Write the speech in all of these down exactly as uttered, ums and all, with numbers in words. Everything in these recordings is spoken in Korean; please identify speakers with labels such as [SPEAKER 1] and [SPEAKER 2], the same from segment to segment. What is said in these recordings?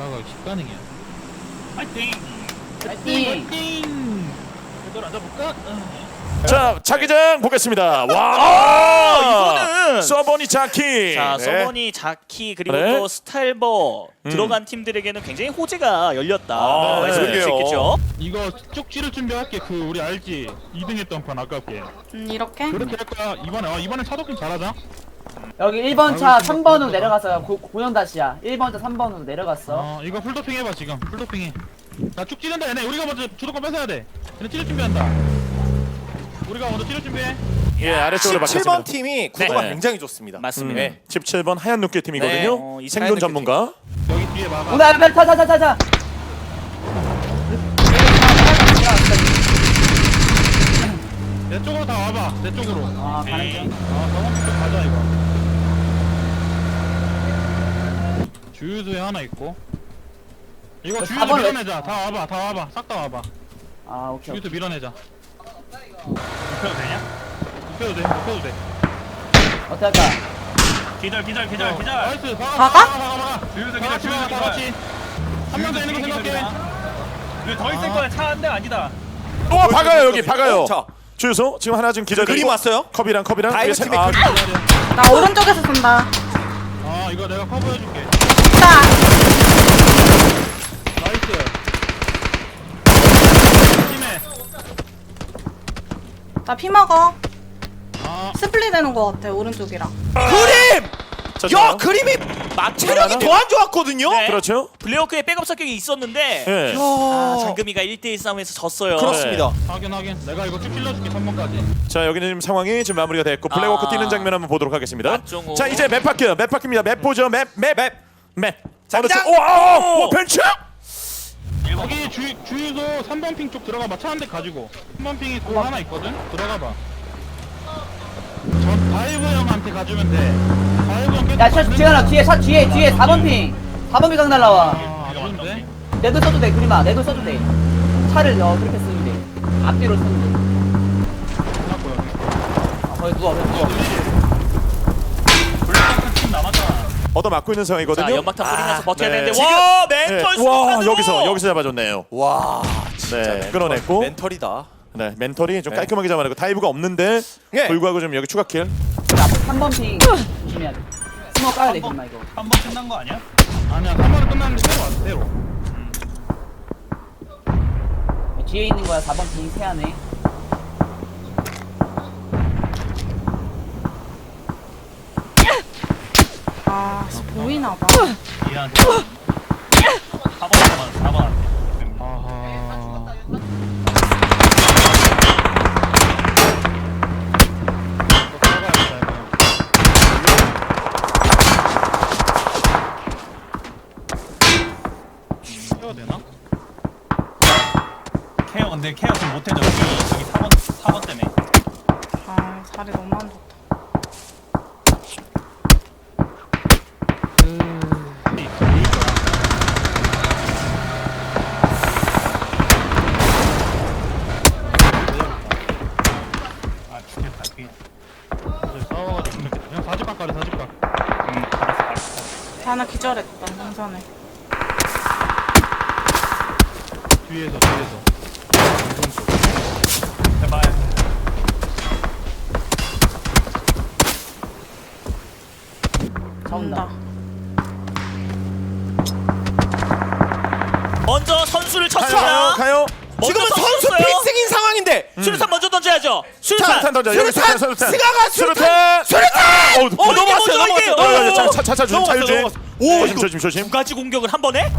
[SPEAKER 1] 돌아가기 십가능이야. 파이팅!
[SPEAKER 2] 파이팅!
[SPEAKER 1] 파이팅! 이걸 앉아볼까?
[SPEAKER 3] 자, 자기장 보겠습니다. 와,
[SPEAKER 4] 아, 이거는
[SPEAKER 3] 서버니 자키.
[SPEAKER 4] 자,
[SPEAKER 3] 네.
[SPEAKER 4] 서버니 자키 그리고
[SPEAKER 3] 네.
[SPEAKER 4] 또 스탈버
[SPEAKER 3] 음.
[SPEAKER 4] 들어간 팀들에게는 굉장히 호재가 열렸다.
[SPEAKER 3] 아,
[SPEAKER 4] 말씀드릴 수
[SPEAKER 3] 그러게요.
[SPEAKER 4] 있겠죠.
[SPEAKER 1] 이거 쭉 찌를 준비할게. 그 우리 알지? 이 등 했던 판 아깝게.
[SPEAKER 5] 음, 이렇게?
[SPEAKER 1] 그렇게 할 거야. 이번에 어, 이번에 차도킹 잘하자.
[SPEAKER 2] 여기 일 번 차 삼 번으로 내려갔어요. 고, 고연다시야. 일 번 차 삼 번으로 내려갔어.
[SPEAKER 1] 어 이거 풀도핑 해봐 지금. 풀도핑 해. 나 쭉 찌른다 얘네. 우리가 먼저 주도권 뺏어야 돼. 얘네 찌를 준비한다. 우리가 먼저 찌를 준비해.
[SPEAKER 3] 예, 아래쪽으로
[SPEAKER 6] 십칠 번
[SPEAKER 3] 바뀌었습니다.
[SPEAKER 6] 팀이 구도가
[SPEAKER 3] 네.
[SPEAKER 6] 굉장히 좋습니다.
[SPEAKER 4] 맞습니다.
[SPEAKER 3] 네, 십칠 번 하얀 눈깨 팀이거든요.
[SPEAKER 6] 네,
[SPEAKER 4] 어, 이
[SPEAKER 3] 생존
[SPEAKER 6] 하얀
[SPEAKER 3] 전문가.
[SPEAKER 1] 여기 뒤에 봐봐.
[SPEAKER 2] 오나 앞에 타타타타타.
[SPEAKER 1] 내 쪽으로 다 와봐. 내 쪽으로.
[SPEAKER 2] 아 가는 중.
[SPEAKER 1] 아 저번 쪽 가자 이거. 주유소에 하나 있고. 이거
[SPEAKER 2] 그
[SPEAKER 1] 주유소
[SPEAKER 2] 사 번
[SPEAKER 1] 밀어내자. 다 와봐. 다 와봐. 싹 다 와봐.
[SPEAKER 2] 아 오케이.
[SPEAKER 1] 주유소 밀어내자. 눕혀도 되냐? 눕혀도 돼. 눕혀도 돼.
[SPEAKER 2] 어떻게 할까?
[SPEAKER 7] 기절 기절 기절
[SPEAKER 1] 어,
[SPEAKER 7] 기절.
[SPEAKER 1] 나이스. 박아.
[SPEAKER 5] 박아?
[SPEAKER 1] 박아. 박아. 박아.
[SPEAKER 7] 주유소
[SPEAKER 1] 다
[SPEAKER 7] 기절
[SPEAKER 1] 같이
[SPEAKER 7] 주유소
[SPEAKER 1] 다
[SPEAKER 7] 기절.
[SPEAKER 1] 같이. 한 명 더 있는 거 생각해.
[SPEAKER 7] 여기 더 있을
[SPEAKER 1] 아.
[SPEAKER 7] 거야. 차 한 대 아니다.
[SPEAKER 3] 또 박아요 여기 박아요.
[SPEAKER 6] 자,
[SPEAKER 3] 주유소 지금 하나 지금 기절.
[SPEAKER 6] 그림 왔어요?
[SPEAKER 3] 컵이랑 컵이랑.
[SPEAKER 6] 다이브
[SPEAKER 3] 위에 세-
[SPEAKER 6] 팀의
[SPEAKER 3] 아,
[SPEAKER 6] 그림.
[SPEAKER 5] 나 오른쪽에서 쏜다.
[SPEAKER 1] 아 이거 내가 커버해줄게.
[SPEAKER 5] 나
[SPEAKER 1] 나이스. 팀에.
[SPEAKER 5] 나 피 먹어.
[SPEAKER 1] 아
[SPEAKER 5] 스플릿 되는 거 같아 오른쪽이랑.
[SPEAKER 6] 그림!
[SPEAKER 3] 자,
[SPEAKER 6] 야
[SPEAKER 3] 좋아요.
[SPEAKER 6] 그림이 막 체력이 더 안 좋았거든요.
[SPEAKER 4] 네.
[SPEAKER 3] 그렇죠.
[SPEAKER 4] 블레어크의 백업 사격이 있었는데
[SPEAKER 3] 예.
[SPEAKER 4] 아,
[SPEAKER 6] 야,
[SPEAKER 4] 장금이가 일 대 일 싸움에서 졌어요.
[SPEAKER 6] 그렇습니다.
[SPEAKER 1] 확인 확인. 내가 이거 쭉 찔러줄게 삼 번까지.
[SPEAKER 3] 자, 여기는 지금 상황이 지금 마무리가 됐고 블랙워크
[SPEAKER 4] 아.
[SPEAKER 3] 뛰는 장면 한번 보도록 하겠습니다.
[SPEAKER 4] 맞종호.
[SPEAKER 3] 자, 이제 맵 바뀌어요. 맵 바뀝니다. 맵 보죠. 맵, 맵, 맵, 맵.
[SPEAKER 6] 자기장!
[SPEAKER 3] 오, 오, 오, 벤츠!
[SPEAKER 1] 여기 주, 주유소 삼 번 핑 쪽 들어가봐. 차 한 대 가지고. 삼 번 핑이 돌 하나 있거든? 들어가봐. 전 다이브 형한테 가주면 돼. 다이브 형 계속
[SPEAKER 2] 야 차,
[SPEAKER 1] 가는
[SPEAKER 2] 지현아
[SPEAKER 1] 거야.
[SPEAKER 2] 뒤에 차 뒤에 뒤에 사 번 핑. 사 번 핑 각 날라와.
[SPEAKER 1] 아, 안 좋은데?
[SPEAKER 2] 내도 써도 돼 그림아. 내도 써도 돼. 차를 어 그렇게 쓰면 돼. 앞뒤로 쓰면 돼.
[SPEAKER 1] 끝났고요.
[SPEAKER 2] 아, 거기 누워 거기 누워.
[SPEAKER 7] 블랙워크 팀 남았잖아.
[SPEAKER 3] 얻어 맞고 있는 상황이거든요.
[SPEAKER 4] 자, 연막탄 뿌리면서 버텨야
[SPEAKER 3] 네.
[SPEAKER 4] 되는데
[SPEAKER 3] 지금-
[SPEAKER 4] 와,
[SPEAKER 3] 네.
[SPEAKER 4] 멘털
[SPEAKER 3] 와,
[SPEAKER 4] 순간으로!
[SPEAKER 3] 여기서 여기서 잡아줬네요.
[SPEAKER 6] 와, 진짜
[SPEAKER 3] 네,
[SPEAKER 6] 멘털,
[SPEAKER 3] 끌어냈고.
[SPEAKER 6] 멘털이다.
[SPEAKER 3] 네, 멘털이 좀
[SPEAKER 6] 네.
[SPEAKER 3] 깔끔하게 잡아내고 다이브가 없는데
[SPEAKER 6] 예.
[SPEAKER 3] 불구하고 좀 여기 추가 킬.
[SPEAKER 2] 앞에 삼 번 핑 조심해야 돼. 스모 까야 돼 그림아 이거.
[SPEAKER 7] 한 번 끝난 거 아니야?
[SPEAKER 1] 아니야, 삼 번은 끝났는데 새로 왔어, 새로.
[SPEAKER 2] 뒤에 있는 거야 사 번 핑 세안해.
[SPEAKER 5] 아 씨, 보이나 봐.
[SPEAKER 7] 얘한테. 사 번 남았어. 사 번한테.
[SPEAKER 1] 아하. 해야 되나?
[SPEAKER 7] 케어 근데 케어 좀 못해줘. 저기 저기 사 번 사 번 때문에.
[SPEAKER 5] 아 자리 너무 안 좋다.
[SPEAKER 7] 아 죽겠다. 그
[SPEAKER 1] 싸워가지고 죽겠다. 그냥 사집각 가래, 사집각.
[SPEAKER 7] 음, 알았어 알았어.
[SPEAKER 5] 하나 기절했다 동선에.
[SPEAKER 1] 뒤에서, 뒤에서. 왼손 쪽.
[SPEAKER 7] 제발.
[SPEAKER 2] 차 온다.
[SPEAKER 5] 온다.
[SPEAKER 4] 먼저 선수를
[SPEAKER 3] 가요,
[SPEAKER 4] 쳤습니다.
[SPEAKER 3] 가요.
[SPEAKER 4] 먼저
[SPEAKER 6] 지금은 선수
[SPEAKER 4] 쳤어요.
[SPEAKER 6] 필승인 상황인데.
[SPEAKER 4] 수류탄 먼저 던져야죠. 수류탄.
[SPEAKER 3] 수류탄 던져. 여기
[SPEAKER 6] 수류탄!
[SPEAKER 3] 수류탄, 수류탄.
[SPEAKER 6] 스가가 수류탄!
[SPEAKER 3] 수류탄! 아, 어,
[SPEAKER 4] 어, 이게
[SPEAKER 6] 넘어갔어요,
[SPEAKER 4] 먼저 이게.
[SPEAKER 6] 넘어갔어요.
[SPEAKER 3] 어, 어, 자, 차, 차, 차, 조심,
[SPEAKER 6] 넘어갔어,
[SPEAKER 3] 자유주의.
[SPEAKER 6] 넘어갔어.
[SPEAKER 3] 오,
[SPEAKER 6] 오,
[SPEAKER 3] 조심,
[SPEAKER 6] 이거
[SPEAKER 3] 조심, 조심.
[SPEAKER 4] 두 가지 공격을 한 번에?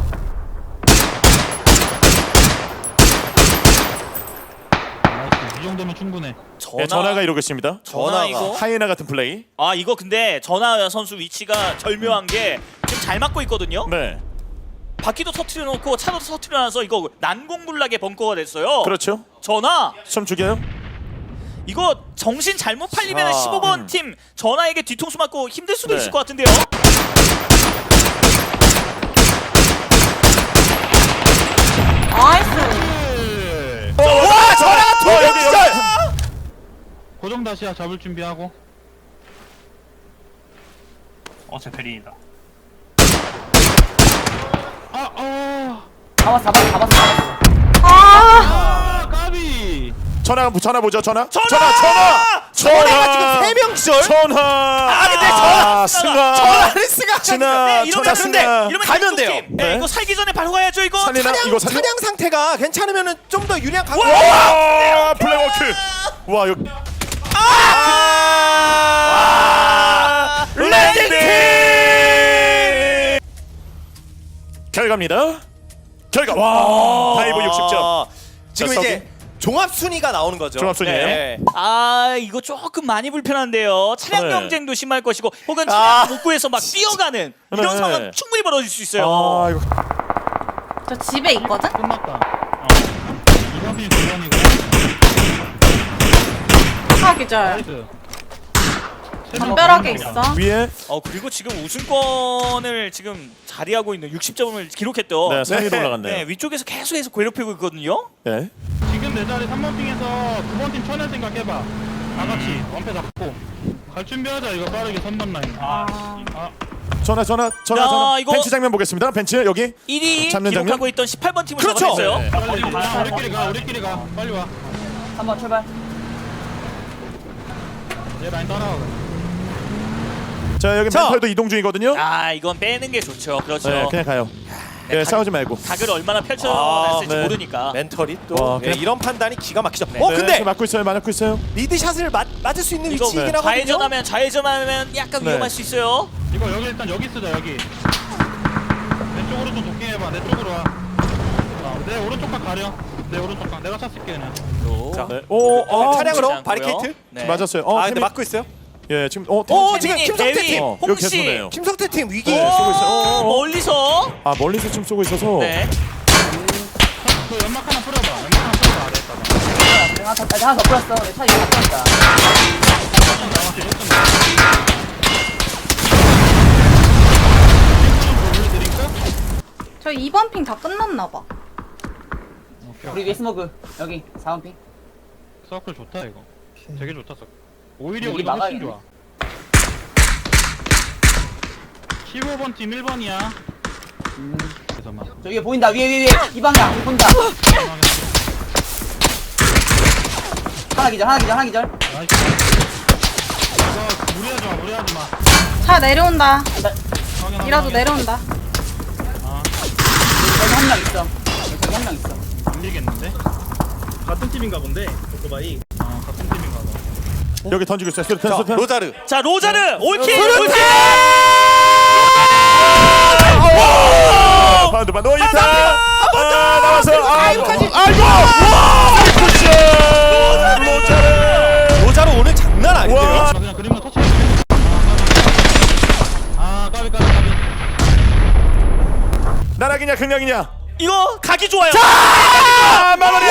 [SPEAKER 1] 나이스. 이 정도면 충분해.
[SPEAKER 3] 네, 전화가 이러고 있습니다.
[SPEAKER 4] 전화
[SPEAKER 6] 전화가.
[SPEAKER 4] 이거.
[SPEAKER 3] 하이에나 같은 플레이.
[SPEAKER 4] 아 이거 근데 전하 선수 위치가 절묘한 게 지금 잘 맞고 있거든요.
[SPEAKER 3] 네,
[SPEAKER 4] 바퀴도 터트려 놓고 차도 터트려 놔서 이거 난공불락의 벙커가 됐어요.
[SPEAKER 3] 그렇죠.
[SPEAKER 4] 전하
[SPEAKER 3] 좀 죽여요.
[SPEAKER 4] 이거 정신 잘못 팔리면
[SPEAKER 6] 아,
[SPEAKER 4] 십오 번
[SPEAKER 3] 음.
[SPEAKER 4] 팀 전하에게 뒤통수 맞고 힘들 수도
[SPEAKER 3] 네.
[SPEAKER 4] 있을 것 같은데요.
[SPEAKER 5] 나이스.
[SPEAKER 6] 와, 전화가 두
[SPEAKER 3] 어,
[SPEAKER 6] 명
[SPEAKER 3] 여기,
[SPEAKER 6] 기절!
[SPEAKER 1] 고정 다시야 잡을 준비하고.
[SPEAKER 7] 어, 제 베린이다.
[SPEAKER 1] 아, 아,
[SPEAKER 2] 잡았어 잡았어 잡았어 잡았어.
[SPEAKER 5] 아,
[SPEAKER 1] 아 까비.
[SPEAKER 3] 전화 전화 보죠. 전화.
[SPEAKER 4] 전화!
[SPEAKER 3] 전화. 전화.
[SPEAKER 6] 전화가 지금 세 명 기절.
[SPEAKER 3] 전화.
[SPEAKER 6] 아, 근데 전화!
[SPEAKER 3] 승아.
[SPEAKER 6] 전화를 쓰가.
[SPEAKER 3] 진아.
[SPEAKER 4] 네, 이러면
[SPEAKER 3] 전화
[SPEAKER 4] 근데
[SPEAKER 3] 승아.
[SPEAKER 4] 이러면
[SPEAKER 6] 가면
[SPEAKER 4] 이쪽
[SPEAKER 6] 돼요.
[SPEAKER 4] 팀. 네,
[SPEAKER 3] 네.
[SPEAKER 4] 이거 살기 전에 바로 가야죠 이거.
[SPEAKER 3] 살리나?
[SPEAKER 6] 차량,
[SPEAKER 3] 이거 살려?
[SPEAKER 6] 차량 상태가 괜찮으면은 좀 더 유리한 강.
[SPEAKER 3] 와! 블랙워크. 와, 이거
[SPEAKER 6] 아! 레딩팀!
[SPEAKER 3] 결과입니다. 결과. 와! 다이브 육십 점.
[SPEAKER 6] 지금
[SPEAKER 3] 자,
[SPEAKER 6] 이제 종합 순위가 나오는 거죠.
[SPEAKER 3] 종합 순위예요?
[SPEAKER 6] 네.
[SPEAKER 4] 아 이거 조금 많이 불편한데요. 차량
[SPEAKER 3] 네.
[SPEAKER 4] 경쟁도 심할 것이고 혹은 차량
[SPEAKER 6] 아.
[SPEAKER 4] 복구해서 막 뛰어가는 이런
[SPEAKER 3] 네.
[SPEAKER 4] 상황 충분히 벌어질 수 있어요.
[SPEAKER 3] 아, 이거
[SPEAKER 5] 저 집에 있거든?
[SPEAKER 1] 끝났다. 어. 이번 핀 두번이고.
[SPEAKER 5] 아, 기절.
[SPEAKER 1] 나이스.
[SPEAKER 5] 담벼락에 있어.
[SPEAKER 3] 위에
[SPEAKER 4] 어 그리고 지금 우승권을 지금 자리하고 있는 육십 점을 기록했던
[SPEAKER 3] 네, 삼 위로
[SPEAKER 6] 네.
[SPEAKER 3] 올라갔네요.
[SPEAKER 4] 네, 위쪽에서 계속해서 괴롭히고 있거든요.
[SPEAKER 3] 네.
[SPEAKER 1] 지금 내 자리 삼 번 핑에서 구 번 팀 쳐낼 생각 해봐. 다 같이 원패 잡고 갈 준비하자. 이거 빠르게 삼 번 라인. 아, 아
[SPEAKER 3] 전화 전화 전화
[SPEAKER 4] 야,
[SPEAKER 3] 전화.
[SPEAKER 4] 이거-
[SPEAKER 3] 벤치 장면 보겠습니다. 벤치 여기.
[SPEAKER 4] 일 위
[SPEAKER 3] 잡는
[SPEAKER 4] 기록하고
[SPEAKER 3] 장면?
[SPEAKER 4] 있던 십팔 번 팀을
[SPEAKER 6] 그렇죠.
[SPEAKER 4] 잡아냈어요.
[SPEAKER 3] 네.
[SPEAKER 1] 빨리 가. 우리끼리 가. 우리끼리 가. 빨리 와.
[SPEAKER 2] 삼 번 출발.
[SPEAKER 1] 얘 라인 따라와.
[SPEAKER 3] 자, 여기
[SPEAKER 6] 자.
[SPEAKER 3] 멘탈도 이동 중이거든요.
[SPEAKER 4] 아 이건 빼는 게 좋죠. 그렇죠.
[SPEAKER 3] 네, 그냥 가요. 예,
[SPEAKER 4] 각-
[SPEAKER 3] 싸우지 말고.
[SPEAKER 4] 각을 얼마나
[SPEAKER 6] 아,
[SPEAKER 4] 펼쳐냈을지
[SPEAKER 3] 네.
[SPEAKER 4] 모르니까.
[SPEAKER 6] 멘털이 또
[SPEAKER 3] 와,
[SPEAKER 6] 예,
[SPEAKER 3] 그냥-
[SPEAKER 6] 이런 판단이 기가 막히죠.
[SPEAKER 4] 네.
[SPEAKER 6] 어
[SPEAKER 3] 네,
[SPEAKER 6] 근데
[SPEAKER 3] 지금 맞고 있어요. 맞고 있어요.
[SPEAKER 6] 리드샷을 맞, 맞을 수 있는
[SPEAKER 4] 이거
[SPEAKER 6] 위치이긴
[SPEAKER 3] 네.
[SPEAKER 6] 하거든요.
[SPEAKER 4] 좌회전하면 좌회전하면 약간
[SPEAKER 3] 네.
[SPEAKER 4] 위험할 수 있어요.
[SPEAKER 1] 이거 여기 일단 여기 쓰자. 여기. 내 쪽으로 좀 도킹해봐. 내 쪽으로 와. 아, 내 오른쪽 각 가려. 내 오른쪽 각. 내가 찼을게 그냥.
[SPEAKER 6] 자,
[SPEAKER 3] 네. 오, 어,
[SPEAKER 4] 어,
[SPEAKER 6] 차량으로
[SPEAKER 4] 않고요.
[SPEAKER 6] 바리케이트.
[SPEAKER 4] 네.
[SPEAKER 3] 맞았어요. 어,
[SPEAKER 6] 아 근데
[SPEAKER 3] 팀이-
[SPEAKER 6] 맞고 있어요.
[SPEAKER 3] 예, 지금 어, 팀-
[SPEAKER 6] 어 지금
[SPEAKER 4] 태민이,
[SPEAKER 6] 김성태
[SPEAKER 4] 대위,
[SPEAKER 6] 팀.
[SPEAKER 3] 어, 여기
[SPEAKER 4] 홍씨.
[SPEAKER 3] 계속 오네요.
[SPEAKER 6] 김성태 팀 위기.
[SPEAKER 3] 네, 쏘고 있어요. 어, 어, 어.
[SPEAKER 4] 멀리서.
[SPEAKER 3] 아, 멀리서 지금 쏘고 있어서.
[SPEAKER 4] 네.
[SPEAKER 1] 그 연막 하나 뿌려봐. 연막 하나 뿌려봐. 아래에다가.
[SPEAKER 2] 내가 하나 더, 나 하나 더 뿌렸어. 내 차 이거 다 뿌렸다.
[SPEAKER 5] 저 이 번 핑 다 끝났나봐.
[SPEAKER 2] 우리 위에 스모그. 여기 사 번 핑.
[SPEAKER 1] 서클 좋다 이거. 되게 좋다 서클. 오히려
[SPEAKER 2] 여기
[SPEAKER 1] 우리가 훨씬
[SPEAKER 2] 막아야겠네.
[SPEAKER 1] 좋아. 십오 번 팀 일 번이야.
[SPEAKER 2] 음.
[SPEAKER 1] 그래서 막.
[SPEAKER 2] 저 위에 보인다. 위에 위에 위에. 이 방향 보인다. 하나 기절 하나 기절 하나 기절.
[SPEAKER 1] 나이스. 이거 무리하지 마. 무리하지 마.
[SPEAKER 5] 차 내려온다.
[SPEAKER 1] 확인하고
[SPEAKER 5] 이라도
[SPEAKER 1] 확인.
[SPEAKER 5] 내려온다.
[SPEAKER 1] 아,
[SPEAKER 2] 여기 한 명 있어. 여기 한 명 있어.
[SPEAKER 1] 안 밀겠는데? 같은 팀인가 본데. 오토바이. 아, 같은 팀인가 봐.
[SPEAKER 3] 여기 던지고 있어요. 수류탄,
[SPEAKER 6] 자
[SPEAKER 3] 수류탄.
[SPEAKER 6] 로자르.
[SPEAKER 4] 자 로자르 올킬.
[SPEAKER 6] 수류탄!
[SPEAKER 4] 올킬.
[SPEAKER 3] 아, 반드 반드. 오, 이타. 아, 나와서. 아,
[SPEAKER 6] 아이고까지.
[SPEAKER 3] 아이고. 와! 굿샷. 로자르.
[SPEAKER 6] 로자르 오늘 장난 아닌데요.
[SPEAKER 3] 와.
[SPEAKER 1] 아, 그냥 그림만 터치해. 아, 까비 까비 까비.
[SPEAKER 3] 나락이냐 극락이냐.
[SPEAKER 4] 이거 각이 좋아요.
[SPEAKER 3] 아, 마무리.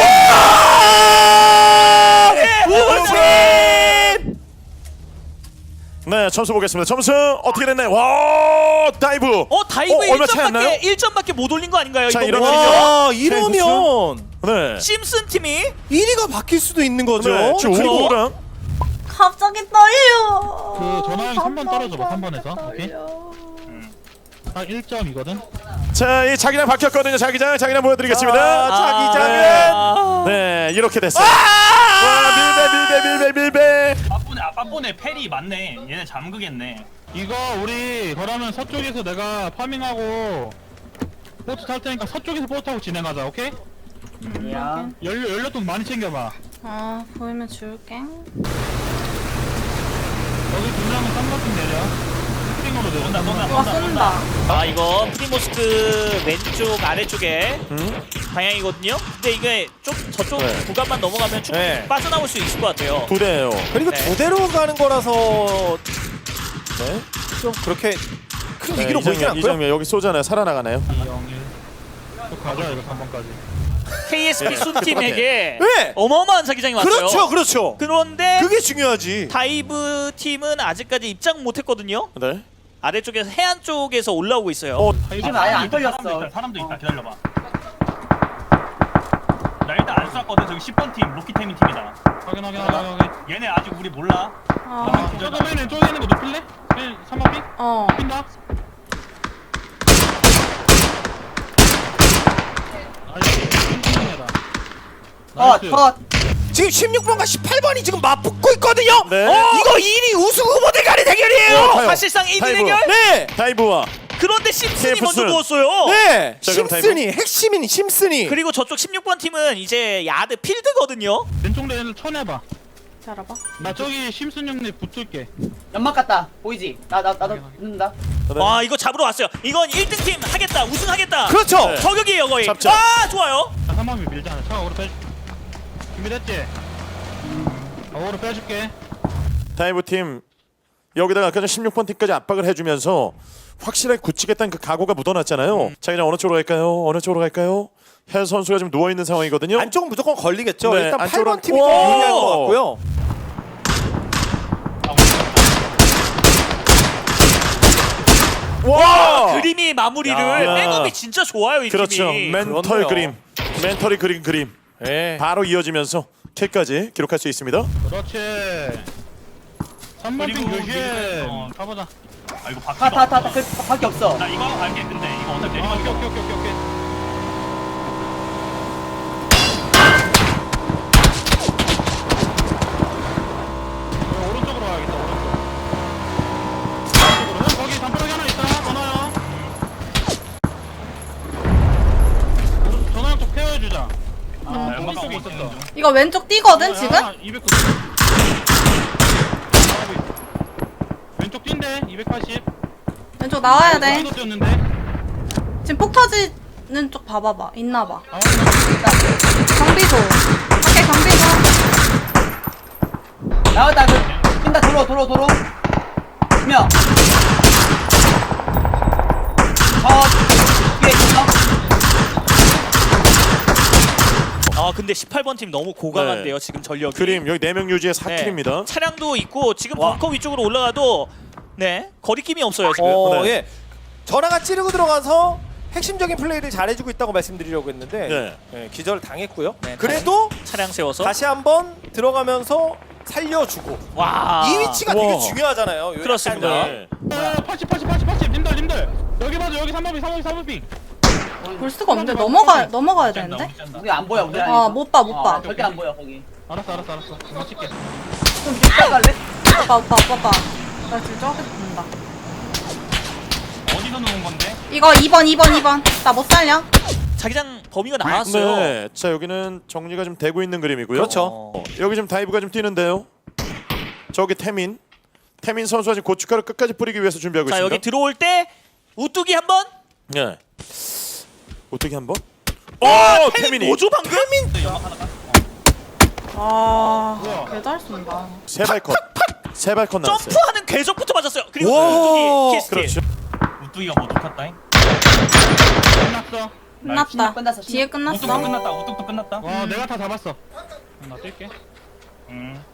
[SPEAKER 4] 우승!
[SPEAKER 3] 네, 점수 보겠습니다. 점수 어떻게 됐나요? 와, 다이브.
[SPEAKER 4] 어 다이브
[SPEAKER 3] 어, 얼마 차이 안 나요?
[SPEAKER 4] 일 점밖에 일 점밖에 못 올린 거 아닌가요?
[SPEAKER 3] 자,
[SPEAKER 4] 이거
[SPEAKER 3] 이러면
[SPEAKER 4] 뭐?
[SPEAKER 6] 와
[SPEAKER 3] 네,
[SPEAKER 6] 이러면
[SPEAKER 3] 네.
[SPEAKER 4] 심슨 팀이
[SPEAKER 6] 일 위가 바뀔 수도 있는 거죠.
[SPEAKER 3] 네, 지금
[SPEAKER 4] 그리고-
[SPEAKER 3] 오고랑
[SPEAKER 5] 갑자기 떨려.
[SPEAKER 1] 그 전화형 삼 번 떨어져봐. 삼 번에서. 오케이.
[SPEAKER 5] 떨려.
[SPEAKER 1] 딱 일 점이거든.
[SPEAKER 3] 자, 이 자기장 바뀌었거든요. 자기장, 자기장 보여드리겠습니다.
[SPEAKER 6] 아,
[SPEAKER 3] 자기장은
[SPEAKER 4] 아.
[SPEAKER 3] 네, 이렇게 됐어요. 와, 밀배, 밀배, 밀배, 밀배.
[SPEAKER 7] 빠뿌네 아 빠뿌네 페리 맞네. 얘네 잠그겠네.
[SPEAKER 1] 이거 우리 그러면 서쪽에서 내가 파밍하고 보트 탈 테니까 서쪽에서 보트 타고 진행하자. 오케이?
[SPEAKER 2] 야.
[SPEAKER 1] 연료 연료통 많이 챙겨봐.
[SPEAKER 5] 아, 보이면 줄게.
[SPEAKER 1] 여기 두 명은 쌍꺼풀 내려. 스팅으로 내려.
[SPEAKER 7] 쏜다 쏜다
[SPEAKER 5] 와,
[SPEAKER 7] 쏜다
[SPEAKER 5] 쏜다.
[SPEAKER 4] 아 이거 프리모스크 왼쪽 아래쪽에
[SPEAKER 3] 음?
[SPEAKER 4] 방향이거든요. 근데 이게 좀 저쪽
[SPEAKER 3] 네.
[SPEAKER 4] 구간만 넘어가면 충분히
[SPEAKER 6] 네.
[SPEAKER 4] 빠져나올 수 있을 것 같아요.
[SPEAKER 3] 부대예요.
[SPEAKER 6] 그리고
[SPEAKER 4] 네.
[SPEAKER 6] 두 대로 가는 거라서
[SPEAKER 3] 네.
[SPEAKER 6] 좀 그렇게 큰
[SPEAKER 3] 네,
[SPEAKER 6] 위기로
[SPEAKER 3] 이
[SPEAKER 6] 보이진
[SPEAKER 3] 장면, 이
[SPEAKER 6] 않고요.
[SPEAKER 3] 장면 여기 쏘잖아요. 살아나가나요?
[SPEAKER 1] 이, 영, 일. 또 가자 이거 삼 번까지.
[SPEAKER 4] 케이에스피 순팀에게
[SPEAKER 6] 네.
[SPEAKER 4] 어마어마한 사기장이 왔어요.
[SPEAKER 6] 그렇죠, 그렇죠.
[SPEAKER 4] 그런데
[SPEAKER 6] 그게 중요하지.
[SPEAKER 4] 다이브 팀은 아직까지 입장 못했거든요.
[SPEAKER 3] 네.
[SPEAKER 4] 아래쪽에서 해안 쪽에서 올라오고 있어요.
[SPEAKER 3] 어,
[SPEAKER 2] 지금 아예 안 털렸어.
[SPEAKER 7] 사람도 있다. 사람도 있다. 기다려봐. 나 일단 안 쐈거든. 저기 십 번 팀 로키테민 팀이다.
[SPEAKER 1] 확인 확인 확인 확인.
[SPEAKER 7] 얘네 아직 우리 몰라.
[SPEAKER 5] 어.
[SPEAKER 1] 아, 저거 맨 왼쪽에 있는 거 높일래? 맨 삼 번 픽?
[SPEAKER 5] 어.
[SPEAKER 1] 핀다. 나이스.
[SPEAKER 2] 컷
[SPEAKER 6] 지금 십육 번과 십팔 번이 지금 맞붙고 있거든요.
[SPEAKER 3] 네.
[SPEAKER 6] 어? 이거 일 위 우승 후보들 간의 대결이에요.
[SPEAKER 3] 어, 타요.
[SPEAKER 4] 사실상 일 위
[SPEAKER 3] 타이브.
[SPEAKER 4] 대결.
[SPEAKER 6] 네.
[SPEAKER 3] 다이브와
[SPEAKER 4] 그런데 심슨이
[SPEAKER 3] 테이프
[SPEAKER 4] 먼저
[SPEAKER 3] 순.
[SPEAKER 4] 누웠어요.
[SPEAKER 6] 네.
[SPEAKER 3] 자, 그럼
[SPEAKER 6] 심슨이 핵심인 심슨이.
[SPEAKER 4] 그리고 저쪽 십육 번 팀은 이제 야드 필드거든요.
[SPEAKER 1] 왼쪽 레인을 쳐내봐.
[SPEAKER 5] 잘해봐.
[SPEAKER 1] 나 저기 심슨 형님 붙을게.
[SPEAKER 2] 연막 같다 보이지? 나 나 나도 붙는다.
[SPEAKER 4] 와 이거 잡으러 왔어요. 이건 일 등 팀 하겠다. 우승하겠다.
[SPEAKER 6] 그렇죠.
[SPEAKER 3] 네.
[SPEAKER 4] 저격이에요 거의.
[SPEAKER 3] 잡자.
[SPEAKER 4] 아 좋아요.
[SPEAKER 1] 자, 삼번이 밀잖아. 차가 오로 빼. 준비됐지? 어, 오로 빼줄게.
[SPEAKER 3] 다이브 팀 여기다가 아까 전 십육 번 팀까지 압박을 해주면서 확실하게 굳히겠다는 그 각오가 묻어났잖아요.
[SPEAKER 6] 음.
[SPEAKER 3] 자 이제 어느 쪽으로 갈까요? 어느 쪽으로 갈까요? 현 선수가 지금 누워 있는 상황이거든요.
[SPEAKER 6] 안쪽은 무조건 걸리겠죠.
[SPEAKER 3] 네,
[SPEAKER 6] 일단
[SPEAKER 3] 안쪽으로-
[SPEAKER 6] 팔 번 팀이 좀
[SPEAKER 3] 오!
[SPEAKER 6] 유리할 것 같고요.
[SPEAKER 3] 와!
[SPEAKER 4] 그림이 마무리를
[SPEAKER 3] 야.
[SPEAKER 4] 백업이 진짜 좋아요 이
[SPEAKER 3] 그렇죠.
[SPEAKER 4] 팀이.
[SPEAKER 3] 멘털
[SPEAKER 6] 그렇네요.
[SPEAKER 3] 그림, 멘털이 그린 그림
[SPEAKER 6] 네.
[SPEAKER 3] 바로 이어지면서 킬까지 기록할 수 있습니다.
[SPEAKER 1] 그렇지. 삼번 핑
[SPEAKER 7] 그리고
[SPEAKER 1] 교시에
[SPEAKER 7] 미드, 어.
[SPEAKER 1] 가보자.
[SPEAKER 7] 아 이거 바퀴
[SPEAKER 2] 타타타타 그 밖에 없어.
[SPEAKER 7] 나 이거 하고 갈게. 근데 이거 어차피
[SPEAKER 1] 아,
[SPEAKER 7] 내리막
[SPEAKER 1] 오케이 오케이 오케이 오케이 오케이. 어, 오른쪽으로 가야겠다. 오른쪽. 오른쪽으로. 형 거기 담벼락이 하나 있다. 전화형. 오른 전화형 쪽 케어해주자. 아,
[SPEAKER 7] 연막
[SPEAKER 1] 거기
[SPEAKER 7] 하고
[SPEAKER 1] 쪽에
[SPEAKER 7] 있는
[SPEAKER 1] 있었어.
[SPEAKER 7] 중.
[SPEAKER 5] 이거 왼쪽 뛰거든 지금?
[SPEAKER 1] 이백구십. 왼쪽 뛴대. 이백팔십.
[SPEAKER 5] 왼쪽 나와야 돼.
[SPEAKER 1] 이거 뛰었는데.
[SPEAKER 5] 지금 폭 터지는 쪽 봐봐봐. 있나봐.
[SPEAKER 1] 아,
[SPEAKER 5] 경비소. 밖에 경비소.
[SPEAKER 2] 나왔다 그 뛴다 도로 도로 도로. 명. 컷 뒤에 있어.
[SPEAKER 4] 아 근데 십팔 번 팀 너무 고강한데요 지금 전력이.
[SPEAKER 3] 그림 여기 네 명 유지의 사
[SPEAKER 4] 네.
[SPEAKER 3] 킬입니다.
[SPEAKER 4] 차량도 있고 지금
[SPEAKER 6] 와.
[SPEAKER 4] 벙커 위쪽으로 올라가도 네 거리낌이 없어요 지금.
[SPEAKER 6] 어,
[SPEAKER 3] 네.
[SPEAKER 6] 예. 전화가 찌르고 들어가서 핵심적인 플레이를 잘해주고 있다고 말씀드리려고 했는데
[SPEAKER 3] 네.
[SPEAKER 6] 예, 기절 당했고요.
[SPEAKER 4] 네,
[SPEAKER 6] 그래도
[SPEAKER 4] 차량 세워서.
[SPEAKER 6] 다시 한번 들어가면서 살려주고
[SPEAKER 4] 와.
[SPEAKER 6] 이 위치가
[SPEAKER 3] 와.
[SPEAKER 6] 되게 중요하잖아요. 요
[SPEAKER 4] 그렇습니다.
[SPEAKER 6] 약간이.
[SPEAKER 3] 네.
[SPEAKER 1] 아, 팔십, 팔십, 팔십, 팔십. 님들, 님들. 여기 봐줘. 여기 삼 번 빙, 삼 번 빙, 삼 번 빙.
[SPEAKER 5] 볼 수가 없는데 넘어가 넘어가야
[SPEAKER 7] 짠다,
[SPEAKER 5] 되는데.
[SPEAKER 7] 우리 짠다.
[SPEAKER 2] 우리 안 보여 우리.
[SPEAKER 5] 아, 못 봐, 못 봐.
[SPEAKER 2] 절대 안 보여 거기.
[SPEAKER 1] 알았어, 알았어, 알았어. 금방 칠게.
[SPEAKER 2] 좀 뒤에 갈래?
[SPEAKER 5] 오빠 오빠 오빠 오빠. 나 지금 저기 본다.
[SPEAKER 7] 어디서 놓은 건데?
[SPEAKER 5] 이거 이 번 이 번 이 번. 나 못 살려.
[SPEAKER 4] 자기장 범위가 나왔어요.
[SPEAKER 3] 네. 자 여기는 정리가 좀 되고 있는 그림이고요.
[SPEAKER 6] 그렇죠.
[SPEAKER 3] 어, 여기 좀 다이브가 좀 뛰는데요. 저기 태민, 태민 선수가 지금 고춧가루 끝까지 뿌리기 위해서 준비하고
[SPEAKER 4] 자
[SPEAKER 3] 있습니다.
[SPEAKER 4] 여기 들어올 때 우뚝이 한번.
[SPEAKER 3] 네. 어떻게 한번? 오,
[SPEAKER 4] 태민
[SPEAKER 3] 태민이
[SPEAKER 4] 뭐죠 방금?
[SPEAKER 5] 아,
[SPEAKER 1] 뭐야?
[SPEAKER 5] 개잘 쏜다.
[SPEAKER 3] 세발 컷, 세발 컷 나왔어요.
[SPEAKER 4] 점프하는 궤적부터 맞았어요. 그리고
[SPEAKER 6] 와.
[SPEAKER 4] 우뚝이 키스틸.
[SPEAKER 3] 그렇죠.
[SPEAKER 7] 우뚝이가 뭐 녹았다잉?
[SPEAKER 1] 끝났어.
[SPEAKER 5] 끝났다.
[SPEAKER 2] 끝났어,
[SPEAKER 5] 뒤에
[SPEAKER 7] 우뚝도
[SPEAKER 5] 끝났어.
[SPEAKER 7] 끝났다. 우뚝도 끝났다.
[SPEAKER 1] 와, 내가 다 잡았어. 나 뛸게.
[SPEAKER 7] 음.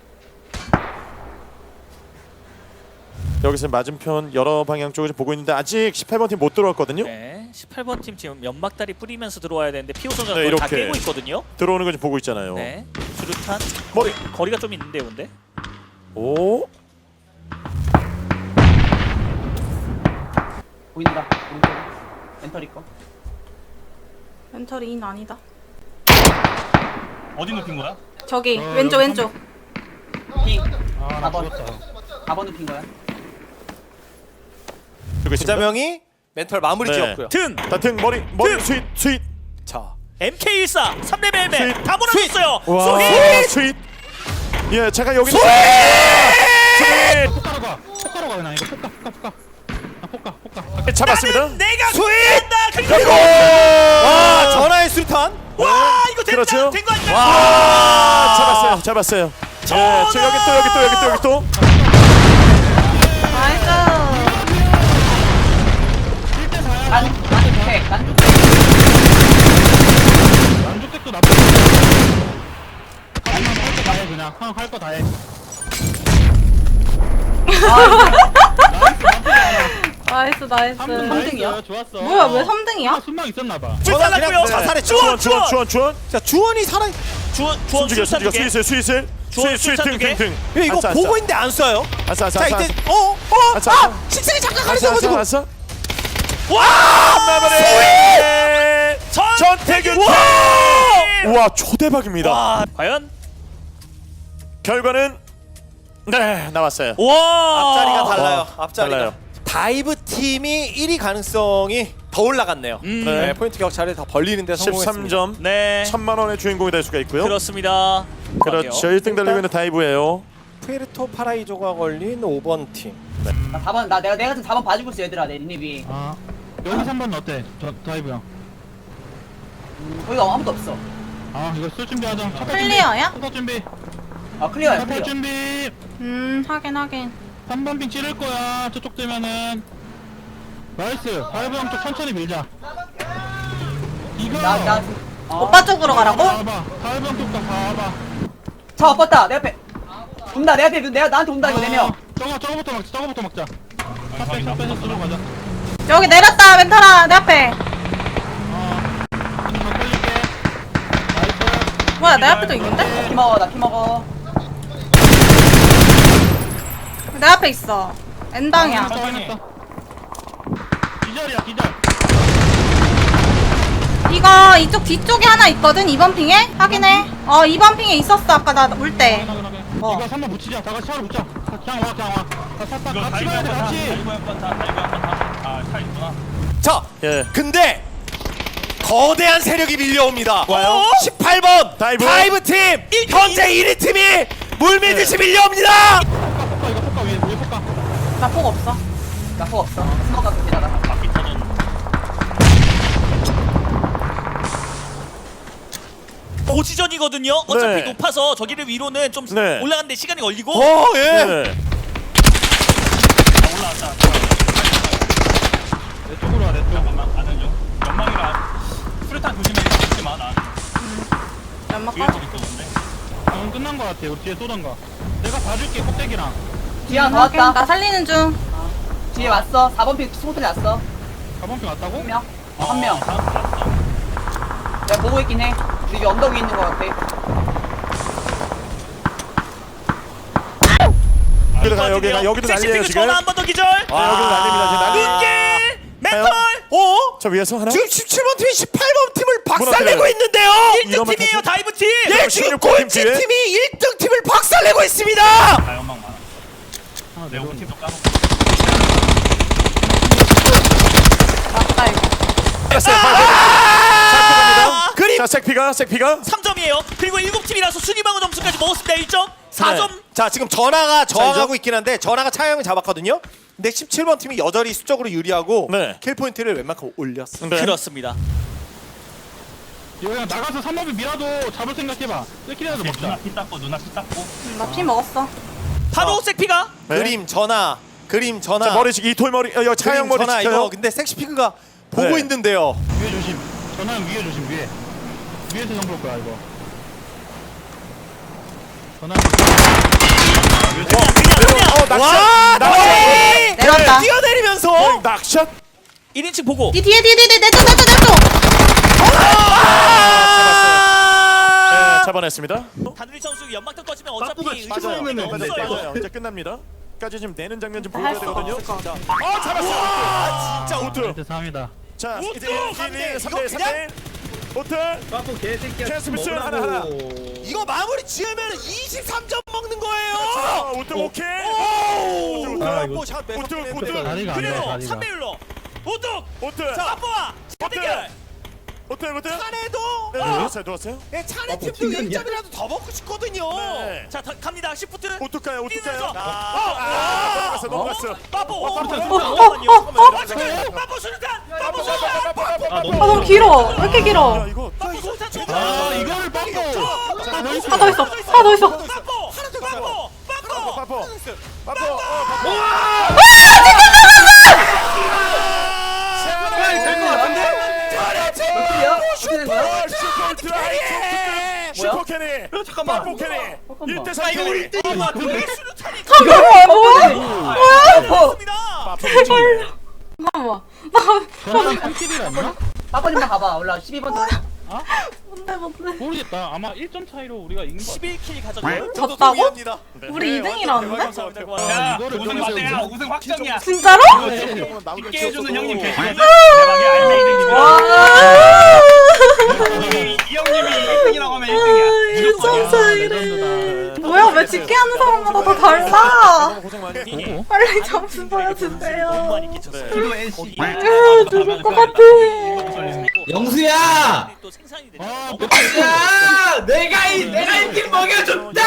[SPEAKER 3] 여기서 맞은편 여러 방향 쪽을 좀 보고 있는데 아직 십팔 번 팀 못 들어왔거든요.
[SPEAKER 4] 네, 십팔 번 팀 지금 연막다리 뿌리면서 들어와야 되는데 피오 선수가
[SPEAKER 3] 네,
[SPEAKER 4] 그걸 다
[SPEAKER 3] 이렇게.
[SPEAKER 4] 깨고 있거든요.
[SPEAKER 3] 들어오는 거 좀 보고 있잖아요.
[SPEAKER 4] 네, 수류탄
[SPEAKER 3] 머리.
[SPEAKER 4] 거리가 좀 있는데요, 근데.
[SPEAKER 3] 오,
[SPEAKER 2] 보인다. 오른쪽. 멘털 있고.
[SPEAKER 5] 멘털이 인 아니다.
[SPEAKER 7] 어디 눕힌 거야?
[SPEAKER 5] 저기
[SPEAKER 1] 어,
[SPEAKER 5] 왼쪽
[SPEAKER 1] 여기
[SPEAKER 5] 왼쪽.
[SPEAKER 2] 핑.
[SPEAKER 1] 아, 나
[SPEAKER 2] 사 번.
[SPEAKER 1] 죽었다.
[SPEAKER 2] 사 번 눕힌 거야.
[SPEAKER 3] 그리고 있습니다.
[SPEAKER 6] 부자명이 멘털 마무리
[SPEAKER 3] 네.
[SPEAKER 6] 지었고요.
[SPEAKER 4] 등
[SPEAKER 3] 다튼 머리, 머리
[SPEAKER 4] 등!
[SPEAKER 3] 스윗, 스윗.
[SPEAKER 6] 자,
[SPEAKER 4] 엠케이 일사 삼 레벨 헬멧
[SPEAKER 3] 스윗!
[SPEAKER 4] 다 몰아줬어요.
[SPEAKER 3] 와,
[SPEAKER 4] 스윗!
[SPEAKER 3] 스윗. 예, 잠깐 여기. 스윗.
[SPEAKER 1] 폭가로 가. 폭가로 가 그냥 이거 폭가, 폭가, 폭가. 아, 폭가, 폭가.
[SPEAKER 3] 잡았습니다.
[SPEAKER 4] 나는 내가
[SPEAKER 6] 스윗!
[SPEAKER 4] 된다. 그리고
[SPEAKER 3] 그리고
[SPEAKER 6] 와, 전화의 수류탄.
[SPEAKER 4] 와 이거 된다.
[SPEAKER 3] 그렇죠.
[SPEAKER 4] 된 거 아닌가?
[SPEAKER 3] 아, 잡았어요, 잡았어요. 예, 저 여기 또 여기 또 여기 또 여기 또.
[SPEAKER 5] 나이스.
[SPEAKER 2] 난 난주택 난주택.
[SPEAKER 1] 난주택도 나쁘지 않아. 할거 다 해, 그냥. 형, 할 거 다 해.
[SPEAKER 5] 나이스 나이스.
[SPEAKER 1] 삼 등
[SPEAKER 2] 삼 등이야?
[SPEAKER 1] 나이스. 좋았어.
[SPEAKER 5] 뭐야 왜 삼 등이야?
[SPEAKER 1] 순방 있었나봐.
[SPEAKER 6] 전화
[SPEAKER 4] 잘랐고요.
[SPEAKER 6] 그냥 자살했죠.
[SPEAKER 3] 주원, 주원, 주원, 주원.
[SPEAKER 6] 자, 주원이 살아.
[SPEAKER 4] 주원 주원
[SPEAKER 3] 숨죽여,
[SPEAKER 4] 수류탄
[SPEAKER 3] 숨죽여.
[SPEAKER 4] 두 개.
[SPEAKER 3] 스윗을, 스윗을.
[SPEAKER 4] 주원
[SPEAKER 3] 스윗, 스윗,
[SPEAKER 4] 수류탄
[SPEAKER 3] 등,
[SPEAKER 4] 두 개.
[SPEAKER 3] 등, 등.
[SPEAKER 6] 왜 이거
[SPEAKER 3] 아싸, 아싸.
[SPEAKER 6] 보고 있는데 안 쏴요?
[SPEAKER 3] 아싸, 아싸,
[SPEAKER 6] 자,
[SPEAKER 3] 아싸.
[SPEAKER 6] 이제 어, 어,
[SPEAKER 3] 아싸,
[SPEAKER 6] 아,
[SPEAKER 3] 아싸.
[SPEAKER 6] 식생이 잠깐
[SPEAKER 3] 아싸,
[SPEAKER 6] 가려져가지고.
[SPEAKER 3] 아싸, 아싸.
[SPEAKER 4] 와!
[SPEAKER 3] 마무리.
[SPEAKER 4] 전-
[SPEAKER 3] 전태균.
[SPEAKER 4] 와!
[SPEAKER 3] 우와 초대박입니다.
[SPEAKER 4] 와, 과연?
[SPEAKER 3] 결과는 네 나왔어요.
[SPEAKER 4] 와,
[SPEAKER 6] 앞자리가 달라요.
[SPEAKER 3] 와,
[SPEAKER 6] 앞자리가.
[SPEAKER 3] 달라요.
[SPEAKER 6] 다이브 팀이 일 위 가능성이 더 올라갔네요.
[SPEAKER 4] 음.
[SPEAKER 6] 네,
[SPEAKER 3] 네.
[SPEAKER 6] 포인트 격차를 더 벌리는데 성공했습니다.
[SPEAKER 3] 십삼 점
[SPEAKER 4] 네,
[SPEAKER 3] 천만 원의 주인공이 될 수가 있고요.
[SPEAKER 4] 그렇습니다.
[SPEAKER 3] 그렇죠. 일 등 달리고 있는 다이브예요.
[SPEAKER 6] 푸에르토 파라이조가 걸린 오 번 팀.
[SPEAKER 2] 나 사 번 나 내가 내가 지금 사 번 봐주고 있어 얘들아 내 립이.
[SPEAKER 1] 아 여기 삼 번 어때? 저 다이브 형.
[SPEAKER 2] 음, 거기가 아무도 없어.
[SPEAKER 1] 아 이거 쓸 준비하자. 첫
[SPEAKER 5] 클리어야?
[SPEAKER 1] 첫 준비.
[SPEAKER 2] 아 클리어야
[SPEAKER 1] 첫
[SPEAKER 2] 클리어.
[SPEAKER 1] 준비.
[SPEAKER 5] 음 하긴 하긴.
[SPEAKER 1] 삼 번 핑 찌를 거야. 저쪽 되면은. 나이스. 다이브 형 쪽 천천히 밀자. 이거.
[SPEAKER 2] 나나 어.
[SPEAKER 5] 오빠 쪽으로 가라고?
[SPEAKER 1] 봐봐. 다이브 형 쪽도 봐봐.
[SPEAKER 2] 차 엎었다 내 앞에. 온다 내 앞에 내가 나한테 온다 이거 네 명.
[SPEAKER 1] 저거 저거부터 막자. 저거부터 막자. 샷배 샷배에서 들어 가자.
[SPEAKER 5] 여기 내렸다 멘탈아 내 앞에.
[SPEAKER 1] 어. 더 걸릴게. 나이스.
[SPEAKER 5] 뭐야 내 앞에도 있는데?
[SPEAKER 2] 키 먹어 나 키 먹어.
[SPEAKER 5] 내 앞에 있어. N방이야.
[SPEAKER 1] 아, 확인했어. 기절이야 기절.
[SPEAKER 5] 이거 이쪽 뒤쪽에 하나 있거든 이 번 핑에? 확인해. 어 이 번 핑에 있었어 아까 나 올 때.
[SPEAKER 1] 확인하게.
[SPEAKER 5] 어.
[SPEAKER 1] 이거 삼 번 붙이자. 다 같이 차로 붙자. 그냥 와 그냥 와. 다 탔다.
[SPEAKER 7] 이거
[SPEAKER 1] 같이
[SPEAKER 7] 다이브
[SPEAKER 1] 가야 돼
[SPEAKER 7] 한번 타.
[SPEAKER 1] 같이.
[SPEAKER 7] 다이브 한번 타. 다이브 한번 타. 아, 차 있구나.
[SPEAKER 6] 자,
[SPEAKER 3] 예.
[SPEAKER 6] 근데 거대한 세력이 밀려옵니다.
[SPEAKER 3] 와요?
[SPEAKER 6] 십팔 번
[SPEAKER 3] 다이브.
[SPEAKER 6] 팀 현재 일 위 팀이 물밀듯이 밀려옵니다.
[SPEAKER 1] 폭가 이거 폭가 위에 위에 폭가.
[SPEAKER 5] 나 폭 없어.
[SPEAKER 2] 나포 없어. 스모가 그게다가.
[SPEAKER 7] 바퀴 터전.
[SPEAKER 4] 고지전이거든요. 어차피
[SPEAKER 3] 네.
[SPEAKER 4] 높아서 저기를 위로는 좀
[SPEAKER 3] 네.
[SPEAKER 4] 올라가는데 시간이 걸리고.
[SPEAKER 6] 어, 예.
[SPEAKER 3] 네.
[SPEAKER 7] 자, 올라왔다.
[SPEAKER 1] 내 쪽으로 와 내 쪽.
[SPEAKER 7] 잠깐만, 가는 중. 연막이라. 수류탄 조심해. 죽지 마, 나.
[SPEAKER 5] 연막
[SPEAKER 7] 뒤에
[SPEAKER 5] 빠져.
[SPEAKER 7] 또 있었는데.
[SPEAKER 1] 응 끝난 거 같아. 우리 뒤에 쏘던가. 내가 봐줄게 꼭대기랑.
[SPEAKER 2] 뒤에 하나
[SPEAKER 5] 확인.
[SPEAKER 2] 나왔다.
[SPEAKER 5] 나 살리는 중.
[SPEAKER 2] 뒤에 왔어. 사 번 핑 스모틀이 왔어.
[SPEAKER 1] 사 번 핑 왔다고?
[SPEAKER 2] 한 명. 어, 한 명.
[SPEAKER 7] 다음 왔어.
[SPEAKER 2] 내가 보고 있긴 해. 우리 여기 언덕 위에 있는 거 같아.
[SPEAKER 3] 여기도 가 여기 가 여기도 난리예요
[SPEAKER 4] 섹시피그
[SPEAKER 3] 지금.
[SPEAKER 4] 전화 한 번 더 기절.
[SPEAKER 3] 네, 여기도 난립니다 지금 난리.
[SPEAKER 4] 눈길 멘털.
[SPEAKER 6] 어?
[SPEAKER 3] 저 위에서 하나.
[SPEAKER 6] 지금 십칠 번 팀이 십팔 번 팀을 박살내고
[SPEAKER 3] 무너뜨려요.
[SPEAKER 6] 있는데요.
[SPEAKER 4] 일 등 팀이에요 다이브 팀.
[SPEAKER 6] 예, 지금
[SPEAKER 3] 십육 번 팀
[SPEAKER 6] 꼴찌
[SPEAKER 3] 뒤에.
[SPEAKER 6] 팀이 일 등 팀을 박살내고 있습니다.
[SPEAKER 7] 다 연막 많아.
[SPEAKER 1] 하나
[SPEAKER 7] 내가
[SPEAKER 1] 내려온다.
[SPEAKER 7] 팀도 까먹고.
[SPEAKER 5] 맞다 이거.
[SPEAKER 3] 됐어요.
[SPEAKER 6] 아! 그림.
[SPEAKER 3] 자 색피가 색피가.
[SPEAKER 4] 삼 점이에요. 그리고 일곱 팀이라서 순위방어 점수까지 먹었습니다. 일 점. 사 점.
[SPEAKER 6] 자, 지금 전화가 저항하고
[SPEAKER 3] 자, 이제?
[SPEAKER 6] 있긴 한데 전화가 차영을 잡았거든요. 근데 십칠 번 팀이 여전히 수적으로 유리하고
[SPEAKER 3] 네.
[SPEAKER 6] 킬 포인트를 웬만큼 올렸어.
[SPEAKER 3] 네.
[SPEAKER 4] 그렇습니다.
[SPEAKER 1] 이거 그냥 나가서 삼 번이 밀어도 잡을 생각해봐. 킬이라도
[SPEAKER 7] 누나
[SPEAKER 1] 먹자.
[SPEAKER 7] 피 닦고, 누나 피 닦고.
[SPEAKER 5] 나 피 먹었어.
[SPEAKER 4] 바로 색피가.
[SPEAKER 3] 네.
[SPEAKER 6] 그림 전화, 그림 전화.
[SPEAKER 3] 자 머리 이톨 머리 어, 여기 차영
[SPEAKER 6] 그림
[SPEAKER 3] 머리
[SPEAKER 6] 전화
[SPEAKER 3] 지켜요.
[SPEAKER 6] 이거 근데 섹시피그가 보고
[SPEAKER 3] 네.
[SPEAKER 6] 있는데요.
[SPEAKER 1] 위에 조심. 전화는 위에 조심 위에. 위에서 정볼 거야 이거. 전화.
[SPEAKER 3] 어 낙샷.
[SPEAKER 6] 와,
[SPEAKER 3] 낙샷.
[SPEAKER 5] 내려왔다.
[SPEAKER 6] 뛰어내리면서
[SPEAKER 3] 낙샷.
[SPEAKER 4] 일 인칭 보고.
[SPEAKER 5] 이 뒤에 뒤에 뒤에 내쪽 내쪽 내쪽.
[SPEAKER 3] 네, 잡아냈습니다.
[SPEAKER 4] 다누리 선수 연막탄 꺼지면 어차피
[SPEAKER 3] 맞아요.
[SPEAKER 4] 의심이
[SPEAKER 3] 맞아요.
[SPEAKER 4] 없어요.
[SPEAKER 3] 맞아요. 이제 끝납니다. 까지 지금 내는 장면 좀
[SPEAKER 5] 할
[SPEAKER 3] 보여줘야
[SPEAKER 5] 수가
[SPEAKER 3] 되거든요.
[SPEAKER 5] 없을 것
[SPEAKER 3] 자, 어 잡았어. 아 진짜 오트.
[SPEAKER 1] 멘트 삼이다.
[SPEAKER 3] 자
[SPEAKER 6] 우트!
[SPEAKER 3] 이제
[SPEAKER 6] 삼 대
[SPEAKER 3] 일,
[SPEAKER 6] 일.
[SPEAKER 3] 삼
[SPEAKER 6] 이거
[SPEAKER 3] 대 삼
[SPEAKER 6] 그냥-
[SPEAKER 3] 대 오트.
[SPEAKER 8] 빠꾸 개새끼야.
[SPEAKER 3] 체스미스 하나 하나.
[SPEAKER 6] 이거 마무리 지으면 이십삼 점 먹는 거예요.
[SPEAKER 3] 자, 오트 오케이.
[SPEAKER 6] 오!
[SPEAKER 3] 오트,
[SPEAKER 8] 아,
[SPEAKER 6] 오!
[SPEAKER 8] 이거-
[SPEAKER 6] 샷
[SPEAKER 3] 오트 오트
[SPEAKER 6] 뺐어.
[SPEAKER 3] 오트.
[SPEAKER 1] 다리가 안 돼.
[SPEAKER 4] 그리고
[SPEAKER 1] 다리가.
[SPEAKER 4] 삼 배 율로. 오뚝.
[SPEAKER 3] 오트.
[SPEAKER 4] 자, 아빠와 대결.
[SPEAKER 3] 오트 오트.
[SPEAKER 6] 찬에도
[SPEAKER 3] 네, 누웠어요 누웠어요.
[SPEAKER 6] 예, 찬에
[SPEAKER 8] 아, 뭐
[SPEAKER 6] 팀도
[SPEAKER 8] 튕겼냐?
[SPEAKER 6] 일 점이라도 더 먹고 싶거든요.
[SPEAKER 3] 네.
[SPEAKER 4] 자, 다, 갑니다. 시프트는
[SPEAKER 3] 오트 가요 오트 가요.
[SPEAKER 4] 뛰면서.
[SPEAKER 3] 아, 넘어갔어 넘어갔어.
[SPEAKER 4] 빠뽀.
[SPEAKER 5] 어, 어,
[SPEAKER 4] 빠뽀 수류탄. 빠뽀 수류탄.
[SPEAKER 8] 아
[SPEAKER 5] 아
[SPEAKER 8] 너무
[SPEAKER 5] 너무 길어. 왜 이렇게
[SPEAKER 3] 야
[SPEAKER 5] 길어?
[SPEAKER 3] 이거
[SPEAKER 4] 빠뽀 수류탄 줘.
[SPEAKER 1] 아 이거를 빡고.
[SPEAKER 5] 하나 더 있어. 하나 더 있어.
[SPEAKER 4] 빠뽀. 빠뽀. 빠뽀.
[SPEAKER 3] 빠뽀 빠뽀 어 빠뽀.
[SPEAKER 8] 될것 같은데?
[SPEAKER 2] 어떻게야? 어떻게 된 거야?
[SPEAKER 3] 슈퍼 드라이 슈퍼 캐니
[SPEAKER 8] 잠깐만.
[SPEAKER 3] 빠뽀 캐니 일 대
[SPEAKER 4] 아,
[SPEAKER 3] 삼
[SPEAKER 4] 이거
[SPEAKER 3] 캐니
[SPEAKER 4] 일 대 이가 왜 수류탄이
[SPEAKER 5] 뭐야?
[SPEAKER 4] 그렇습니다.
[SPEAKER 5] 제발. 잠깐만.
[SPEAKER 1] 전화 삼 킬이 아니야?
[SPEAKER 2] 빠빠님만 가봐. 올라 십이 번.
[SPEAKER 5] 뭔데 뭔데?
[SPEAKER 1] 모르겠다. 아마 일 점 차이로 우리가 이긴 거 같아.
[SPEAKER 4] 십일 킬 가졌고요.
[SPEAKER 6] 저도
[SPEAKER 5] 졌다고?
[SPEAKER 6] 동의합니다.
[SPEAKER 5] 우리 이 등이라는데?
[SPEAKER 4] 감사합니다.
[SPEAKER 1] 아,
[SPEAKER 7] 야,
[SPEAKER 1] 이거를
[SPEAKER 7] 우승
[SPEAKER 1] 여기서
[SPEAKER 7] 맞대야.
[SPEAKER 1] 이거.
[SPEAKER 7] 우승 확정이야.
[SPEAKER 5] 진짜로?
[SPEAKER 7] 쉽게 해주는 형님 계시거든.
[SPEAKER 5] 와.
[SPEAKER 7] 대박의 알맹이들입니다.
[SPEAKER 8] 이 형님이 일 등이라고 하면 일 등이야.
[SPEAKER 5] 일점 차이래. 뭐야 왜 집게 하는 사람마다 다 달라.
[SPEAKER 3] 고생 많이 했고.
[SPEAKER 5] 빨리 점수 보여주세요.
[SPEAKER 4] 너무 많이 끼쳤어요.
[SPEAKER 8] 기도 엔씨.
[SPEAKER 5] 아, 죽을 것 같아.
[SPEAKER 9] 영수야!
[SPEAKER 4] 또 생산이 되죠.
[SPEAKER 1] 아,
[SPEAKER 4] 너무
[SPEAKER 9] 야! 내가 이 내가 이 팀 먹여줬다!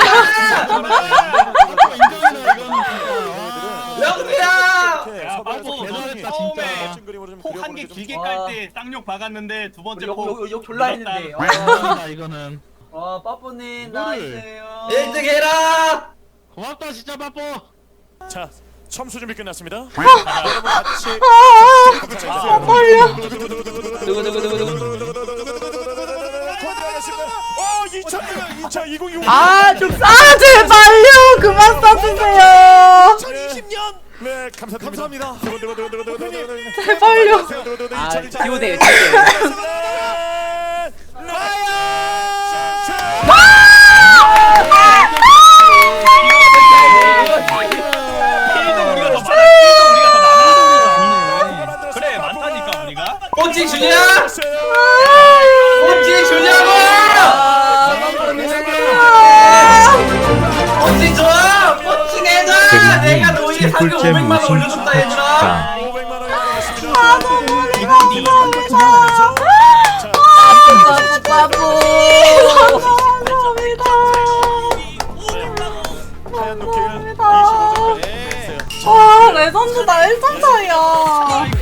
[SPEAKER 9] 영수야!
[SPEAKER 8] 야, 빠꾸
[SPEAKER 1] 대단했다,
[SPEAKER 8] 처음에
[SPEAKER 1] 진짜.
[SPEAKER 8] 폭 한 개 길게
[SPEAKER 2] 와.
[SPEAKER 8] 깔 때 쌍욕 박았는데 두 번째
[SPEAKER 2] 우리 욕,
[SPEAKER 8] 폭
[SPEAKER 2] 욕, 욕 졸라 했는데. 와,
[SPEAKER 1] 대단하다, 이거는.
[SPEAKER 2] 와 빠뽀님
[SPEAKER 1] 이거를-
[SPEAKER 2] 나이스요.
[SPEAKER 9] 일 등 해라!
[SPEAKER 1] 고맙다 진짜 바빠.
[SPEAKER 3] 자, 첨수 준비 끝났습니다. 여러분 같이
[SPEAKER 5] 아 떨려.
[SPEAKER 3] 건드리겠습니다. 어, 이천 이천 이천이십.
[SPEAKER 2] 아 좀.
[SPEAKER 5] 아 제발요 그만 써주세요.
[SPEAKER 6] 이천이십 년.
[SPEAKER 3] 네, 감사 감사합니다.
[SPEAKER 5] 제발요.
[SPEAKER 2] 아
[SPEAKER 3] 아,
[SPEAKER 2] 기호대.
[SPEAKER 8] 필드 우리가 더 많아. 필드 우리가 더 많아. 그래 많다니까 우리가.
[SPEAKER 9] 펀치 주냐? 펀치 주냐고! 펀치 줘! 펀치 내자! 내가 너희의 상금 오백만 원 올려줬다 얘들아!
[SPEAKER 3] 오백만 원 나왔습니다.
[SPEAKER 5] 아 너무 감사합니다. 바보 바보. 감사합니다.
[SPEAKER 3] 하얀 눈길
[SPEAKER 5] 감사합니다. 와 레전드다 일 점 차이야.